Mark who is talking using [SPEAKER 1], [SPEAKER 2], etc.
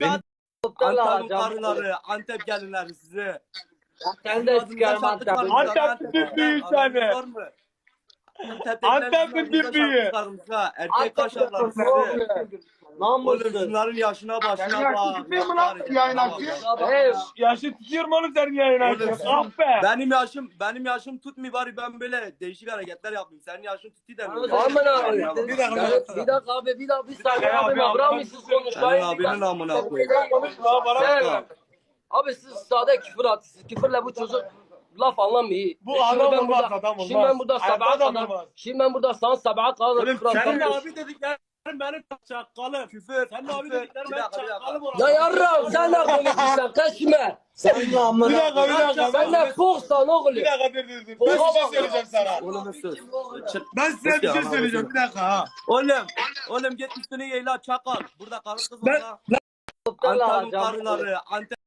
[SPEAKER 1] Beni
[SPEAKER 2] Antep'in karıları, Antep gelinleri sizi.
[SPEAKER 3] Sen de sikerim Antep'i.
[SPEAKER 1] Antep'in düdüğü seni.
[SPEAKER 2] Var mı?
[SPEAKER 1] Antep'in düdüğü.
[SPEAKER 2] Erkek kaşarlar sizi. Oğlum
[SPEAKER 3] Namussuz.
[SPEAKER 2] şunların yaşına başına bak.
[SPEAKER 1] Yaşı tutuyorum oğlum senin yayın açıyorsun. Ah be.
[SPEAKER 2] Benim yaşım tutmuyor bari ben böyle değişik hareketler yapayım. Senin yaşın tutuyor da.
[SPEAKER 3] Aman abi.
[SPEAKER 1] Bir dakika.
[SPEAKER 3] Bir dakika abi bir saniye
[SPEAKER 1] Abi,
[SPEAKER 3] abi.
[SPEAKER 1] abi,
[SPEAKER 3] Bırak
[SPEAKER 1] abi.
[SPEAKER 3] mısınız
[SPEAKER 2] Senin
[SPEAKER 3] konuşmayı?
[SPEAKER 2] abinin amına koyayım.
[SPEAKER 1] Konuşma bana.
[SPEAKER 3] Sen- Abi siz sade küfür atıyorsunuz. Küfürle bu çocuk laf anlamıyor.
[SPEAKER 1] Bu adam
[SPEAKER 3] ben
[SPEAKER 1] olmaz,
[SPEAKER 3] burada-
[SPEAKER 1] adam olmaz.
[SPEAKER 3] Şimdi ben burada
[SPEAKER 1] Hayatta
[SPEAKER 3] sabaha
[SPEAKER 1] adam
[SPEAKER 3] kadar.
[SPEAKER 1] olmaz.
[SPEAKER 3] Şimdi ben burada sana sabaha kadar
[SPEAKER 2] Oğlum
[SPEAKER 3] küfür
[SPEAKER 2] senin
[SPEAKER 3] atacağım.
[SPEAKER 2] abi dediklerin benim çakalım. Küfür. Senin abi dediklerin benim çakalım.
[SPEAKER 3] Ya yarram sen ne konuşuyorsun? Kaçma.
[SPEAKER 1] Bir dakika.
[SPEAKER 3] Sen ne foksan oğlum.
[SPEAKER 1] Bir dakika dur. Ben bir şey söyleyeceğim sana.
[SPEAKER 2] Oğlum sus.
[SPEAKER 1] Ben size bir şey söyleyeceğim. Bir dakika ha.
[SPEAKER 2] Oğlum git üstünü yayla çakal. Burada karı kız
[SPEAKER 1] Ben-
[SPEAKER 2] var. Antep'in karıları, Antep